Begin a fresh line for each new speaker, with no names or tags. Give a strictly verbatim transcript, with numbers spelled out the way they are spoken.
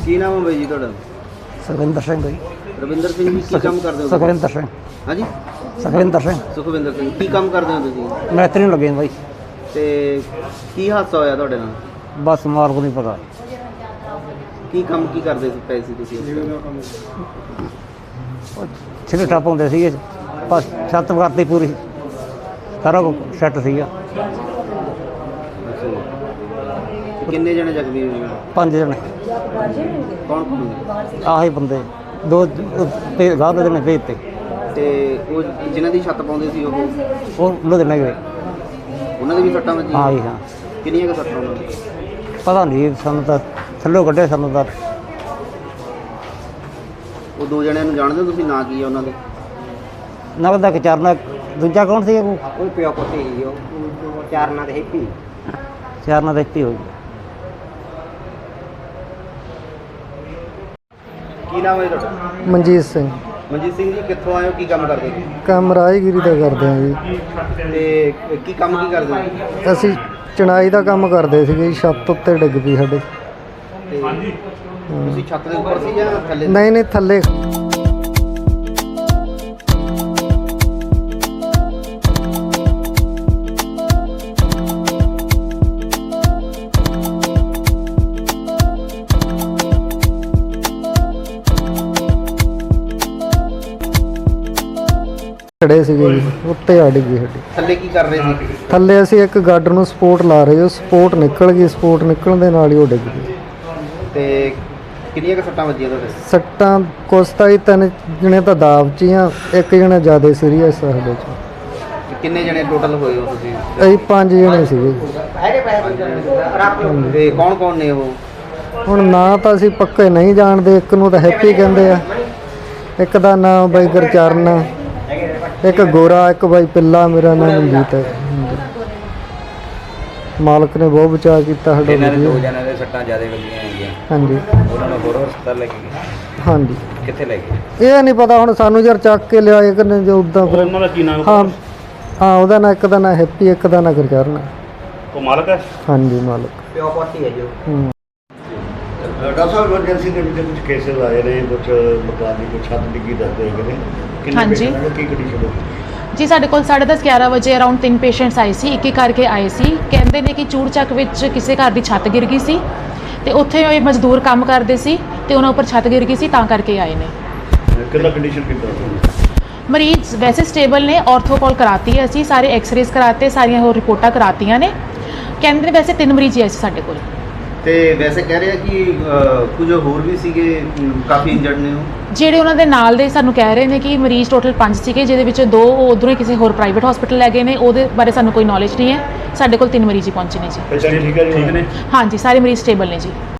ਕੀ ਨਾਮ ਹੈ ਬਾਈ ਜੀ ਤੁਹਾਡਾ?
ਸੁਖਵਿੰਦਰ ਸਿੰਘ ਜੀ।
ਰਵਿੰਦਰ ਸਿੰਘ ਜੀ ਕੀ ਕੰਮ ਕਰਦੇ ਹੋ?
ਸੁਖਵਿੰਦਰ ਸਿੰਘ।
ਹਾਂਜੀ
ਸੁਖਵਿੰਦਰ ਸਿੰਘ।
ਸੁਖਵਿੰਦਰ ਸਿੰਘ ਕੀ ਕੰਮ ਕਰਦੇ ਹੋ ਤੁਸੀਂ?
ਮੈਤਰੀ ਨੂੰ ਲੱਗੇ ਬਾਈ।
ਤੇ ਕੀ ਹਾਦਸਾ ਹੋਇਆ ਤੁਹਾਡੇ ਨਾਲ?
ਬਸ ਮਾਰ ਕੋ ਨਹੀਂ ਪਤਾ।
ਕੀ ਕੰਮ ਕੀ ਕਰਦੇ ਸੀ ਪਏ ਸੀ ਤੁਸੀਂ?
ਛਿੱਲੇ ਟੱਪ ਹੁੰਦੇ ਸੀਗੇ, ਬਸ ਛੱਤ ਕਰਤੀ ਪੂਰੀ, ਸਾਰਾ ਕੁਝ ਸੈੱਟ ਸੀਗਾ।
ਅੱਛਾ ਜੀ। ਤੇ ਕਿੰਨੇ ਜਣੇ ਜ਼ਖਮੀ ਹੋਏ?
ਪੰਜ ਜਣੇ।
ਕੌਣ ਕੌਣ?
ਆਹੀ ਬੰਦੇ ਦੋ ਤੇ ਗਾਹ ਦੇ ਨੇ ਭੇਜ ਤੇ।
ਤੇ ਉਹ ਜਿਨ੍ਹਾਂ ਦੀ ਛੱਤ ਪਾਉਂਦੇ ਸੀ ਉਹ
ਉਹ ਲੁਧਿਆਣੇ ਗਏ।
ਉਹਨਾਂ ਦੇ ਵੀ ਸੱਟਾਂ ਵੱਜੀਆਂ?
ਹਾਂ ਜੀ ਹਾਂ।
ਕਿੰਨੀਆਂ ਕੁ ਸੱਟਾਂ ਉਹਨਾਂ ਦੀਆਂ?
ਪਤਾ ਨਹੀਂ ਸਾਨੂੰ ਤਾਂ, ਥੱਲੋਂ ਕੱਢੇ ਸਾਨੂੰ ਤਾਂ।
ਉਹ ਦੋ ਜਣਿਆਂ ਨੂੰ ਜਾਣਦੇ ਹੋ ਤੁਸੀਂ? ਨਾਂ ਕੀ ਹੈ ਉਹਨਾਂ ਦੇ?
ਨਗਦ ਦਾ ਚਾਰਨਾ, ਦੂਜਾ ਕੌਣ ਸੀ? ਉਹ
ਉਹ ਪਿਓ ਪੁੱਤੇ ਸੀ ਉਹ ਚਾਰਨਾ ਦੇ ਹੈਪੀ।
ਚਾਰਨਾ ਦਾ ਇੱਥੇ ਹੋ ਗਿਆ।
ਕੀ ਨਾਮ ਹੈ ਤੁਹਾਡਾ?
ਮਨਜੀਤ ਸਿੰਘ।
ਮਨਜੀਤ ਸਿੰਘ ਜੀ ਕਿੱਥੋਂ ਆਏ ਹੋ? ਕੀ ਕੰਮ ਕਰਦੇ ਹੋ?
ਕੰਮ ਰਾਜਗੀਰੀ ਦਾ ਕਰਦੇ ਹਾਂ ਜੀ।
ਤੇ ਕੀ ਕੰਮ ਕੀ ਕਰਦੇ ਹੋ?
ਅਸੀਂ ਚਣਾਈ ਦਾ ਕੰਮ ਕਰਦੇ ਸੀਗੇ ਜੀ, ਛੱਤ ਉੱਤੇ ਡਿੱਗ ਪਈ ਸਾਡੇ।
ਤੇ ਤੁਸੀਂ ਛੱਤ ਦੇ ਉੱਪਰ ਸੀ ਜਾਂ ਥੱਲੇ?
ਨਹੀਂ ਨਹੀਂ ਥੱਲੇ। ਖੜੇ ਸੀਗੇ ਜੀ, ਉੱਤੇ ਆ ਡਿੱਗੀ ਸਾਡੀ।
ਥੱਲੇ ਕੀ ਕਰ ਰਹੇ ਸੀ?
ਥੱਲੇ ਅਸੀਂ ਇੱਕ ਗਾਰਡਰ ਨੂੰ ਸਪੋਰਟ ਲਾ ਰਹੇ, ਉਹ ਸਪੋਰਟ ਨਿਕਲ ਗਈ, ਸਪੋਰਟ ਨਿਕਲਣ ਦੇ ਨਾਲ ਹੀ ਉਹ ਡਿੱਗ ਗਈ।
ਤੇ ਕਿੰਨੀਆਂ ਕੁ ਸੱਟਾਂ ਵੱਜੀਆਂ ਤੁਹਾਡੇ?
ਸੱਟਾਂ ਕੁਛ ਤਾਂ ਹੀ, ਤਿੰਨ ਜਣੇ ਤਾਂ ਦਾਬ 'ਚ ਹੀ ਆ, ਇੱਕ ਜਣਾ ਜ਼ਿਆਦਾ ਸੀਰੀਅਸ ਆ ਸਾਡੇ 'ਚ।
ਤੇ ਕਿੰਨੇ ਜਣੇ ਟੋਟਲ ਹੋਏ ਹੋ ਤੁਸੀਂ?
ਅਸੀਂ ਪੰਜ ਜਣੇ ਸੀਗੇ।
ਤੇ ਕੌਣ ਕੌਣ ਨੇ ਉਹ?
ਹੁਣ ਨਾਂ ਤਾਂ ਅਸੀਂ ਪੱਕੇ ਨਹੀਂ ਜਾਣਦੇ, ਇੱਕ ਨੂੰ ਤਾਂ ਹੈਪੀ ਕਹਿੰਦੇ ਆ, ਇੱਕ ਦਾ ਨਾਮ ਬਾਈ ਗੁਰਚਰਨ ਆ, ਇੱਕ ਗੋਰਾ, ਇੱਕ ਬਾਈ ਪਿੱਲਾ, ਮੇਰਾ ਨਾਮ ਮਨਜੀਤ ਹੈ। ਮਾਲਕ ਨੇ ਬਹੁਤ ਬਚਾਅ ਕੀਤਾ ਸਾਡਾ।
ਇਹਨਾਂ ਦੇ ਦੋ ਜਣਾਂ ਦੇ ਸੱਟਾਂ ਜ਼ਿਆਦਾ ਵੱਜੀਆਂ ਹੈਗੀਆਂ।
ਹਾਂਜੀ
ਉਹਨਾਂ ਨੂੰ ਹੋਰ ਹਸਪਤਾਲ ਲੈ ਕੇ ਗਏ?
ਹਾਂਜੀ।
ਕਿੱਥੇ ਲੈ ਗਏ?
ਇਹ ਨਹੀਂ ਪਤਾ ਹੁਣ ਸਾਨੂੰ, ਯਾਰ ਚੱਕ ਕੇ ਲਿਆਏ ਕਿ ਜੋ ਉੱਦਾਂ ਫਿਰ।
ਉਹਨਾਂ ਦਾ ਕੀ ਨਾਮ?
ਹਾਂ ਹਾਂ, ਉਹਦਾ ਨਾਂ, ਇੱਕ ਦਾ ਨਾਂ ਹੈਪੀ, ਇੱਕ ਦਾ ਨਾਂ ਗੁਰਚਰਨ।
ਉਹ ਮਾਲਕ ਹੈ?
ਹਾਂਜੀ ਮਾਲਕ।
ਪਿਓ ਪੁੱਤੀ ਹੈ ਜੋ।
ਹੂੰ।
ਡਾਕਟਰ ਸਾਹਿਬ ਐਮਰਜੈਂਸੀ ਦੇ ਵਿੱਚ ਕੁਝ ਕੇਸਿਸ ਆਏ ਨੇ, ਕੁਝ ਮਕਾਨ ਦੀ ਕੋਈ ਛੱਤ ਡਿੱਗੀ ਦੱਸਦੇ ਹੈਗੇ ਨੇ। ਕਿੰਨੇ
ਹਾਂਜੀ।
patient ਨੇ, ਕੀ ਕੰਡੀਸ਼ਨ ਹੋ
ਜੀ ਸਾਡੇ ਕੋਲ ਸਾਢੇ ਦਸ ਗਿਆਰਾਂ ਵਜੇ ਅਰਾਊਂਡ ਤਿੰਨ ਪੇਸ਼ੈਂਟਸ ਆਏ ਸੀ, ਇੱਕ ਇੱਕ ਕਰਕੇ ਆਏ ਸੀ। ਕਹਿੰਦੇ ਨੇ ਕਿ ਚੂੜ ਚੱਕ ਵਿੱਚ ਕਿਸੇ ਘਰ ਦੀ ਛੱਤ ਗਿਰ ਗਈ ਸੀ ਤੇ ਉੱਥੇ ਉਹ ਮਜ਼ਦੂਰ ਕੰਮ ਕਰਦੇ ਸੀ ਤੇ ਉਹਨਾਂ ਉੱਪਰ ਛੱਤ ਗਿਰ ਗਈ ਸੀ, ਤਾਂ ਕਰਕੇ ਆਏ ਨੇ।
ਕਿੰਨਾ ਕੰਡੀਸ਼ਨ ਕਿੱਦਾਂ?
ਮਰੀਜ਼ ਵੈਸੇ ਸਟੇਬਲ ਨੇ, ਆਰਥੋ ਕਾਲ ਕਰਾਤੀ ਹੈ ਅਸੀਂ, ਸਾਰੇ ਐਕਸ-ਰੇਜ਼ ਕਰਾਤੇ, ਸਾਰੀਆਂ ਹੋਰ ਰਿਪੋਰਟਾਂ ਕਰਾਤੀਆਂ ਨੇ। ਕਹਿੰਦੇ ਨੇ ਵੈਸੇ ਤਿੰਨ ਮਰੀਜ਼ ਹੀ ਆਏ ਸੀ ਸਾਡੇ ਕੋਲ।
ਤੇ ਵੈਸੇ ਕਹਿ ਰਹੇ ਆ ਕਿ ਕੁਝ ਹੋਰ ਵੀ ਸੀਗੇ, ਕਾਫੀ ਇੰਜਰਡ ਨੇ ਉਹ।
ਜਿਹੜੇ ਉਹਨਾਂ ਦੇ ਨਾਲ ਦੇ ਸਾਨੂੰ ਕਹਿ ਰਹੇ ਨੇ ਕਿ ਮਰੀਜ਼ ਟੋਟਲ ਪੰਜ ਸੀਗੇ, ਜਿਹਦੇ ਵਿੱਚ ਦੋ ਉਹ ਉੱਧਰੋਂ ਹੀ ਕਿਸੇ ਹੋਰ ਪ੍ਰਾਈਵੇਟ ਹਸਪੀਟਲ ਲੈ ਗਏ ਨੇ, ਉਹਦੇ ਬਾਰੇ ਸਾਨੂੰ ਕੋਈ ਨੌਲੇਜ ਨਹੀਂ ਹੈ। ਸਾਡੇ ਕੋਲ ਤਿੰਨ ਮਰੀਜ਼ ਹੀ ਪਹੁੰਚੇ ਨੇ ਜੀ।
ਠੀਕ ਹੈ ਜੀ, ਠੀਕ ਨੇ।
ਹਾਂਜੀ ਸਾਰੇ ਮਰੀਜ਼ ਸਟੇਬਲ ਨੇ ਜੀ।